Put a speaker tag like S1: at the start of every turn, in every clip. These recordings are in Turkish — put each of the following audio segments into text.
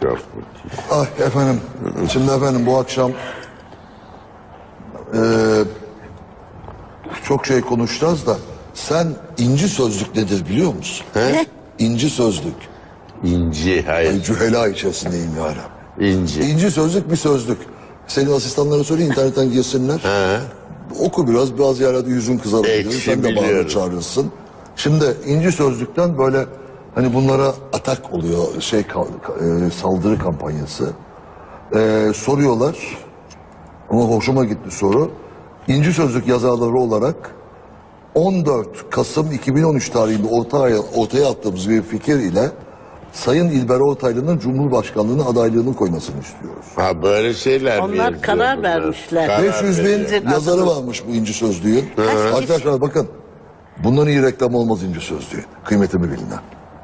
S1: müthiş.
S2: Ah efendim, şimdi efendim bu akşam çok şey konuşacağız da sen inci sözlük nedir biliyor musun?
S1: He?
S2: İnci sözlük.
S1: İnci, hayır.
S2: Cühela içerisindeyim ya.
S1: İnci.
S2: İnci sözlük bir sözlük. Senin asistanlara söyle internetten girsinler.
S1: He.
S2: Oku biraz, bazı yerlerde yüzün kızarabilir.
S1: Ekşi
S2: Sen de bağırır
S1: biliyorum.
S2: çağırırsın. Şimdi inci sözlükten böyle hani bunlara atak oluyor, saldırı kampanyası. Soruyorlar. Ama hoşuma gitti soru. İnci Sözlük yazarları olarak 14 Kasım 2013 tarihinde ortaya attığımız bir fikir ile Sayın İlber Ortaylı'nın Cumhurbaşkanlığına adaylığını koymasını istiyoruz.
S1: Ha böyle şeyler mi
S3: Onlar
S1: yazıyor
S3: karar
S1: bunlar?
S3: vermişler.
S1: Karar
S2: 500 bin
S1: veriyor.
S2: yazarı varmış bu İnci Sözlüğün. Arkadaşlar bakın, bundan iyi reklam olmaz İnci Sözlüğü. Kıymetimi bilin.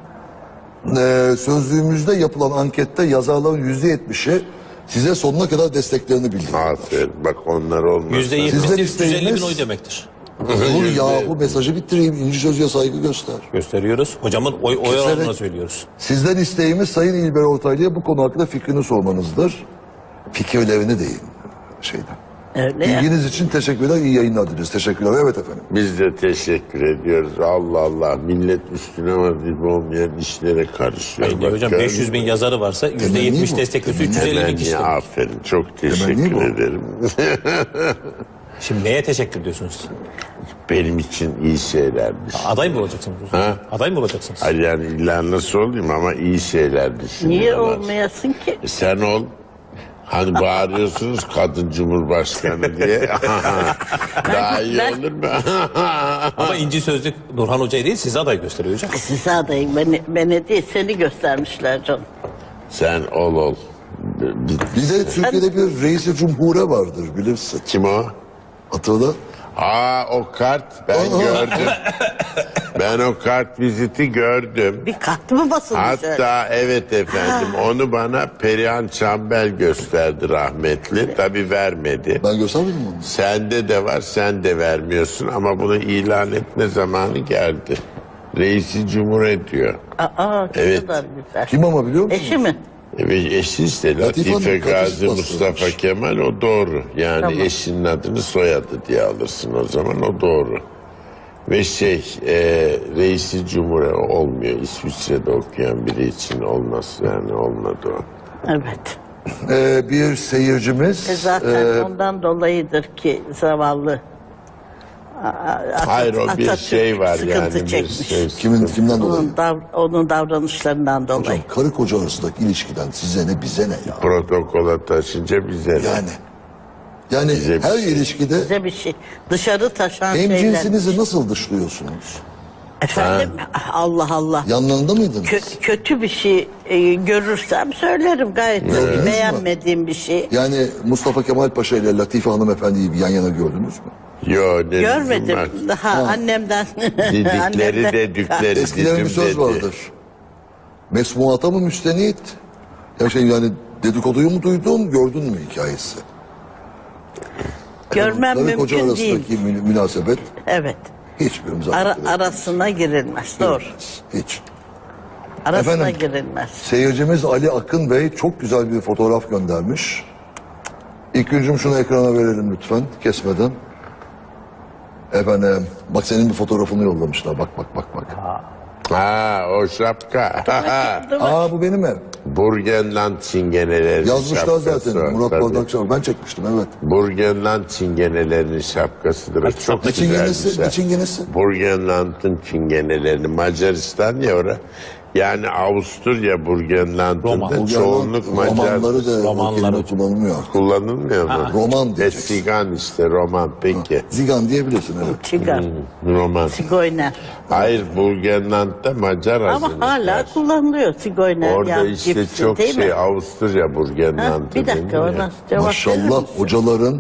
S2: Sözlüğümüzde yapılan ankette yazarların %70'i size sonuna kadar desteklerini bildirdiler.
S1: Aferin, bak onlar olmaz.
S2: Sizden
S4: %70'de
S2: isteğimiz-
S4: 150 bin oy demektir.
S2: Dur yahu, mesajı bitireyim. İnci Sözlüğe saygı göster.
S4: Gösteriyoruz. Hocamın oy
S2: Keserek-
S4: oranına söylüyoruz.
S2: Sizden isteğimiz Sayın İlber Ortaylı'ya bu konu hakkında fikrini sormanızdır. Fikirlerini deyin şeyden.
S3: Öyle ya.
S2: İlginiz için teşekkürler, iyi yayınlar dileriz. Teşekkürler. Evet efendim.
S1: Biz de teşekkür ediyoruz. Allah Allah, millet üstüne vazife olmayan işlere karışıyor.
S4: Hayır, hocam
S1: gördün
S4: 500 bin
S1: mü?
S4: yazarı varsa %70
S2: bu.
S4: destekliyorsa
S2: Temenni
S4: 350 bin
S1: Hemen
S4: kişi
S1: ya,
S4: demek.
S1: aferin, çok
S2: Temenni
S1: teşekkür
S2: bu.
S1: ederim.
S4: Şimdi neye teşekkür ediyorsunuz?
S1: Benim için iyi şeylermiş.
S4: Aday mı olacaksınız?
S1: Ha?
S4: Aday mı olacaksınız?
S1: Ay yani illa nasıl olayım ama iyi şeyler düşünüyorlar.
S3: Niye olmayasın ki?
S1: Sen ol. Hani bağırıyorsunuz kadın cumhurbaşkanı diye. Daha iyi
S3: ben-
S1: olur mu?
S4: Ama İnci Sözlük Nurhan Hoca'yı değil size aday gösteriyor hocam.
S3: Size adayım. Beni değil, seni göstermişler canım.
S1: Sen ol.
S2: Bir de Türkiye'de bir reis-i cumhure vardır bilirsin.
S1: Kim o?
S2: Hatırla.
S1: O kart ben gördüm. Ben o kart viziti gördüm.
S3: Bir kart mı basılmış öyle?
S1: Hatta evet efendim onu bana Perihan Çambel gösterdi rahmetli. Tabii vermedi.
S2: Ben göstermedim mi onu?
S1: Sende de var, sen de vermiyorsun ama bunu ilan etme zamanı geldi. Reisi Cumhur ediyor.
S3: Aa,
S1: Evet.
S3: ne kadar güzel.
S2: Kim ama biliyor musun?
S3: Eşi mi?
S1: Evet, eşi işte
S2: Latife
S1: Latife
S2: Hanım,
S1: Gazi
S2: karısı
S1: Mustafa
S2: bastırmış.
S1: Kemal, o doğru. Yani
S3: Tamam.
S1: eşinin adını soyadı diye alırsın o zaman, o doğru. Ve reisi Cumhur'a olmuyor. İsviçre'de okuyan biri için olmaz, yani olmadı o.
S3: Evet.
S2: Bir seyircimiz
S3: Zaten ondan dolayıdır ki zavallı.
S1: Hayır, o bir
S3: Atatürk
S1: şey var
S3: sıkıntı
S1: yani. Bir
S3: çekmiş.
S1: şey,
S2: kimden dolayı?
S3: Onun davranışlarından dolayı.
S2: Hocam karı koca arasındaki ilişkiden size ne bize ne ya?
S1: protokola taşınca bize ne?
S2: Yani
S1: Bize bir
S2: her
S1: şey.
S2: ilişkide
S3: Bize bir şey. Dışarı taşan
S2: hem
S3: şeyler.
S2: cinsinizi nasıl dışlıyorsunuz?
S3: Efendim Allah Allah.
S2: Yanlarında mıydınız?
S3: Kötü bir şey görürsem söylerim gayet.
S2: Gördünüz mü?
S3: Beğenmediğim bir şey.
S2: Yani Mustafa Kemal Paşa ile Latife Hanımefendi'yi bir yan yana gördünüz mü?
S1: Yo, ne
S3: Görmedim.
S1: lüzum var?
S3: Daha annemden.
S1: Didikleri
S3: annemden-
S1: dedikleri
S2: Eskiden bir
S1: didim
S2: söz
S1: dedi.
S2: vardır. Mesmuata mı müstenit? Yani dedikoduyu mu duydun, gördün mü hikayesi?
S3: Görmem
S2: Karı koca
S3: mümkün değil.
S2: arasındaki münasebet
S3: Evet.
S2: hiçbirimize
S3: Arasına girilmez. Doğru.
S2: Hiç.
S3: Arasına
S2: Efendim?
S3: girilmez.
S2: Seyircimiz Ali Akın Bey çok güzel bir fotoğraf göndermiş. İlk güncüm şunu ekrana verelim lütfen kesmeden. Efendim bak senin bir fotoğrafını yollamışlar. Bak.
S1: O şapka.
S2: Aa bu benim ev.
S1: Burgenland çingenelerinin
S2: Yazmışlar
S1: şapkası
S2: zaten.
S1: o,
S2: Murat
S1: tabii.
S2: Bardakçı. Ben çekmiştim evet.
S1: Burgenland çingenelerinin şapkasıdır. O çok
S2: Ne
S1: güzel bir
S2: çingenesi?
S1: şey.
S2: Ne çingenesi?
S1: Burgenland'ın çingenelerini, Macaristan ya ora. Yani Avusturya Burgenland'ın
S4: Roma.
S1: da çoğunluk Macar
S2: Romanları da
S4: Romanları.
S2: o kelime kullanılmıyor.
S1: kullanılmıyor mu?
S2: Roman diyeceksin.
S1: Sigan işte, roman peki.
S2: Zigan diyebilirsin evet.
S3: Çıkar.
S1: Roman.
S3: Sigoyner.
S1: Hayır, Burgenland'da Macar
S3: Ama
S1: azınlık
S3: hala
S1: var.
S3: kullanılıyor Sigoyner.
S1: Orada
S3: ya,
S1: işte
S3: cipsi,
S1: çok
S3: değil mi?
S1: Avusturya Burgenland'ı.
S3: Bir dakika
S1: değil mi?
S3: ona cevap verir
S2: Maşallah
S3: misin?
S2: hocaların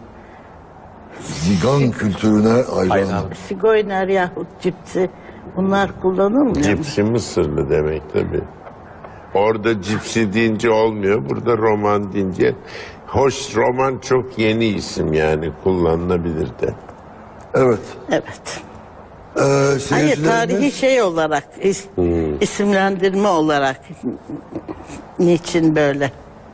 S2: Zigan kültürüne hayranım.
S3: Sigoyner yahut cipsi bunlar kullanılmıyor mu?
S1: Cipsi Mısırlı demek tabii. Orada cipsi deyince olmuyor, burada roman deyince. Hoş, roman çok yeni isim yani, kullanılabilir de.
S2: Evet.
S3: Evet. Hayır,
S2: Seyircilerimiz-
S3: tarihi şey olarak, isimlendirme olarak niçin böyle?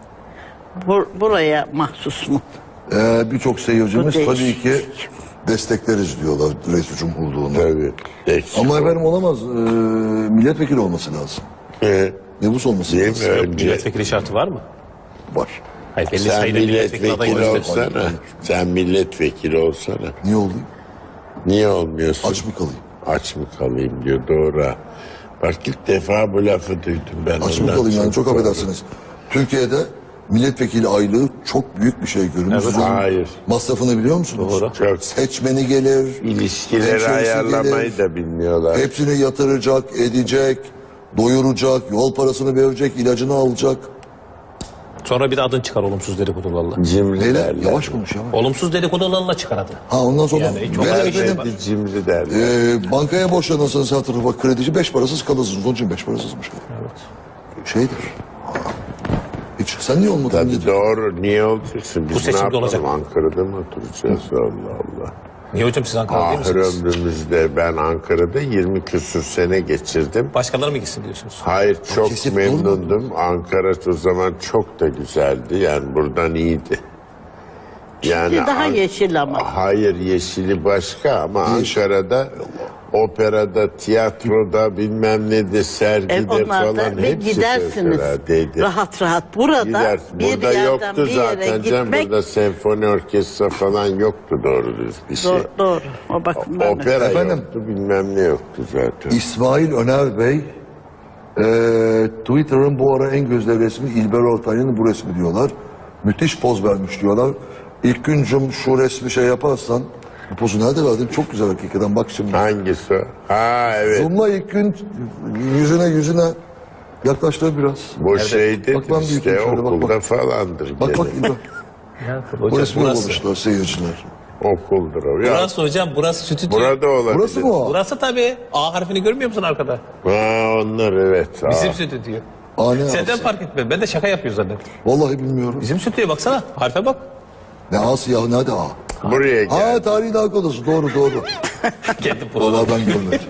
S3: Buraya mahsus mu?
S2: Birçok seyircimiz
S3: Bu
S2: tabii
S3: değişik.
S2: ki destekleriz diyorlar Reis Cumhurluğu'nu.
S1: Tabii. Eksik
S2: Ama
S1: olmaz.
S2: efendim olamaz. Milletvekili olması lazım. Nüfus olması
S1: Değil mi?
S2: lazım.
S1: Önce
S4: Milletvekili şartı var mı?
S2: Var.
S4: Hayır, belli
S1: sen
S4: sayıda milletvekili adayı
S1: milletvekili
S4: var.
S1: olsana. Sen milletvekili olsana.
S2: Niye olayım?
S1: Niye olmuyorsun?
S2: Aç mı kalayım?
S1: Aç mı kalayım diyor, doğru. ha. Bak ilk defa bu lafı duydum ben.
S2: Aç mı
S1: ondan
S2: kalayım yani
S1: çok
S2: çok affedersiniz. Türkiye'de milletvekili aylığı çok büyük bir şey görünüyor. Siz onun
S1: Hayır.
S2: masrafını biliyor musunuz?
S4: Doğru.
S1: Çok
S2: Seçmeni gelir.
S1: ilişkileri
S2: hemşerisi
S1: ayarlamayı
S2: gelir,
S1: da bilmiyorlar.
S2: Hepsini yatıracak, edecek, doyuracak, yol parasını verecek, ilacını alacak.
S4: Sonra bir de adın çıkar olumsuz dedikodularla.
S1: Cimri
S2: Neyle?
S1: derler.
S2: Yavaş konuş yavaş.
S4: Olumsuz dedikodularla çıkar adı.
S2: Ha ondan sonra
S4: Yani çok
S2: ve
S4: önemli şey
S2: efendim,
S4: var.
S1: Cimri derler.
S2: bankaya borçlanırsanız her tarafa kredici 5 parasız kalırsınız. Onun için 5 parasızmış.
S4: Evet.
S2: Şeydir. Ha. Hiç. Sen niye olmadın?
S1: Tabii doğru. Niye olacaksın? Biz
S4: Bu seçimde
S1: ne yapalım?
S4: olacak.
S1: Ankara'da mı oturacağız? Allah Allah.
S4: Niye hocam siz Ankara'da değil
S1: Ahir
S4: misiniz?
S1: ömrümüzde ben Ankara'da 20 küsur sene geçirdim.
S4: Başkaları mı gitsin diyorsunuz?
S1: Hayır, çok
S2: kesip
S1: memnundum. Ankara o zaman çok da güzeldi. Yani buradan iyiydi. Yani
S3: Şimdi daha yeşil ama.
S1: Hayır, yeşili başka ama Ankara'da operada, tiyatroda, bilmem ne de sergide
S3: Onlarda
S1: falan
S3: ve
S1: hepsi
S3: gidersiniz
S1: fevkaladeydi.
S3: rahat rahat. Burada
S1: Gider.
S3: bir
S1: Burada
S3: yerden
S1: yoktu
S3: bir yere
S1: zaten canım.
S3: gitmek
S1: Burada senfoni orkestra falan yoktu doğru düz bir şey.
S3: doğru. O bakımdan öyle.
S1: Opera
S2: Efendim?
S1: yoktu, bilmem ne yoktu zaten.
S2: İsmail Öner Bey Twitter'ın bu ara en gözde resmi İlber Ortaylı'nın bu resmi diyorlar. Müthiş poz vermiş diyorlar. İlk güncüm şu resmi şey yaparsan bu pozu nerede verdin? Çok güzel hakikaten bak şimdi.
S1: Hangisi o? Ha evet.
S2: Zoom'la ilk gün yüzüne yaklaştır biraz.
S1: Bu şeydir
S2: Bak ben
S1: işte
S2: büyüteyim şöyle, bak,
S1: okulda
S2: bak.
S1: falandır.
S2: Bak
S1: gene.
S2: bak İlber. Bu
S4: Hocam
S2: resmi
S4: burası.
S2: yollamışlar seyirciler.
S1: Okuldur o. Ya,
S4: Burası hocam, burası stüdyo.
S1: burada olabilir.
S2: Burası mı o?
S4: Burası tabii. A harfini görmüyor musun arkada?
S1: Ha onlar evet.
S4: Bizim
S1: Aa.
S4: stüdyo.
S2: Ne
S4: Senden
S2: Asya?
S4: fark etmem. Ben de şaka yapıyor zannettim.
S2: Vallahi bilmiyorum.
S4: Bizim stüdyoya baksana. Harfe bak.
S2: Ne Asya ya nerede A?
S1: Buraya gel.
S2: Ha tarihin arkadaşı doğru.
S4: Kendi programı.
S2: Vallahi ben görmedim.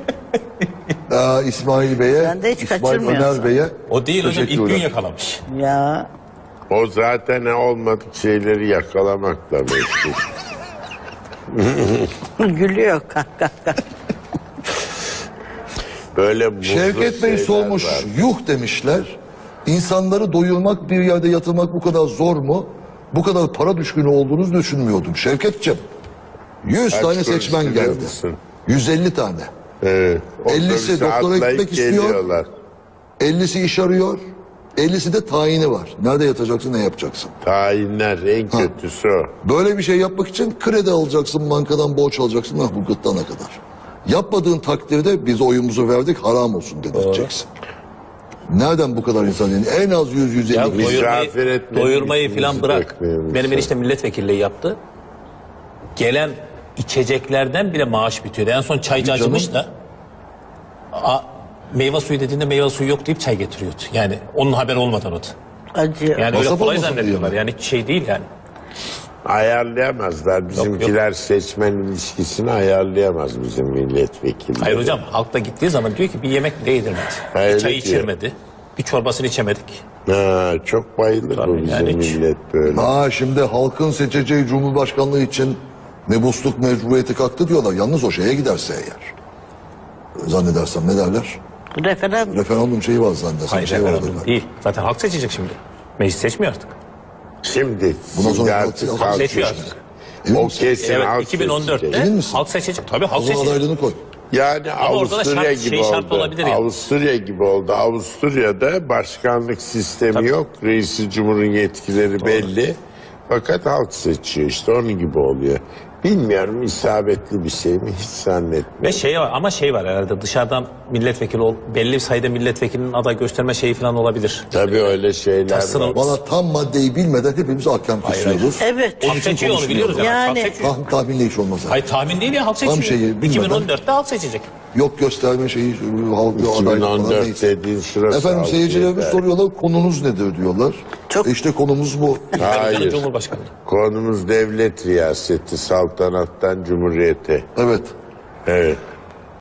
S2: İsmail Bey'e,
S3: Ben de hiç
S2: İsmail
S3: kaçırmıyorsam.
S2: Öner Bey'e
S4: O değil hocam, ilk gün
S2: teşekkürler.
S4: yakalamış.
S3: Ya
S1: O zaten olmadık şeyleri yakalamakla meşgul.
S3: gülüyor kah.
S1: Böyle muzlu
S2: Şevket Bey
S1: şeyler
S2: sormuş,
S1: var.
S2: yuh demişler. İnsanları doyurmak, bir yerde yatırmak bu kadar zor mu? Bu kadar para düşkünü olduğunuzu düşünmüyordum. Şevketciğim, 100
S1: Kaç
S2: tane
S1: kuruş
S2: seçmen
S1: biliyor
S2: geldi.
S1: musun?
S2: 150 tane.
S1: Evet.
S2: 50'si
S1: Otobüse
S2: doktora
S1: atlayıp
S2: gitmek istiyor.
S1: geliyorlar.
S2: 50'si iş arıyor. 50'si de tayini var. Nerede yatacaksın, ne yapacaksın?
S1: Tayinler en kötüsü o.
S2: Böyle bir şey yapmak için kredi alacaksın, bankadan borç alacaksın, bu gırtlağına kadar. Yapmadığın takdirde biz oyumuzu verdik, haram olsun dedirteceksin. Nereden bu kadar insan yani? En az 100-150
S4: Ya
S2: kişi.
S1: Misafir etmedik,
S4: doyurmayı falan
S1: bizi
S4: bırak.
S1: bekleyelim.
S4: Benim enişte milletvekilliği yaptı. Gelen içeceklerden bile maaş bitiyordu. En son çaycı acımış da meyve suyu dediğinde meyve suyu yok deyip çay getiriyordu. Yani onun haberi olmadan o da.
S3: acıyor.
S4: Yani öyle
S2: Masraf
S4: kolay
S2: olmasın
S4: zannediyorlar.
S2: diye
S4: Yani şey değil yani.
S1: Ayarlayamazlar. Bizimkiler seçmen ilişkisini ayarlayamaz bizim milletvekilleri.
S4: Hayır hocam, halk da gittiği zaman diyor ki bir yemek bile yedirmedi.
S1: Hayır,
S4: Bir çay
S1: diyor.
S4: içirmedi. Bir çorbasını içemedik.
S1: Ha, çok bayılır bu
S4: Tabii,
S1: bizim
S4: yani hiç-
S1: millet böyle.
S2: Şimdi halkın seçeceği cumhurbaşkanlığı için mebusluk mecburiyeti kalktı diyorlar. Yalnız o şeye giderse eğer. Zannedersem ne derler?
S3: Referandum.
S2: Referandum şeyi var zannedersem.
S4: Hayır,
S2: şey vardı
S4: referandum
S2: galiba.
S4: değil. Zaten halk seçecek şimdi. Meclis seçmiyor artık.
S1: Şimdi,
S2: Bundan sonra
S1: artık
S2: halk
S1: halk
S4: seçiyor
S1: seçecek.
S4: artık.
S2: Emin
S1: O
S2: misin?
S1: kesin
S4: Evet,
S1: halk
S4: 2014'te
S1: seçecek.
S2: Emin misin?
S4: halk seçecek. Tabii halk
S2: O zaman
S4: seçecek.
S2: adaylığını koy.
S1: Yani
S4: Ama orada da
S1: Avusturya
S4: şart-
S1: gibi
S4: şey şart
S1: oldu.
S4: olabilir yani.
S1: Avusturya gibi oldu. Avusturya'da başkanlık sistemi yok. Reisi Cumhur'un yetkileri belli. Fakat halk seçiyor işte onun gibi oluyor. Bilmiyorum isabetli bir şey mi hiç zannetmiyorum.
S4: Ve şey var ama şey var herhalde dışarıdan milletvekili belli bir sayıda milletvekilinin aday gösterme şeyi falan olabilir.
S1: Tabii öyle şeyler
S4: Tasının-
S1: var.
S2: Valla tam maddeyi bilmeden hepimiz ahkam kesiyoruz.
S3: Evet.
S4: Halk seçiyor onu biliyoruz yani.
S3: Yani-
S4: Halk seçiyor.
S2: Tahminle iş olmaz. Yani.
S4: Hayır tahmin değil ya halk seçiyor.
S2: şeyi bilmeden-
S4: 2014'te halk seçecek.
S2: Yok gösterme şeyi, halk adaylık falan
S1: 2014
S2: neyse.
S1: dediğin sırası.
S2: Efendim
S1: halk
S2: seyircilerimiz
S1: yeter.
S2: soruyorlar konunuz nedir diyorlar.
S3: Çok-
S2: İşte konumuz bu.
S1: Hayır.
S4: Cumhurbaşkanı.
S1: Konumuz devlet riyaseti, saltanattan cumhuriyete.
S2: Evet.
S1: Evet.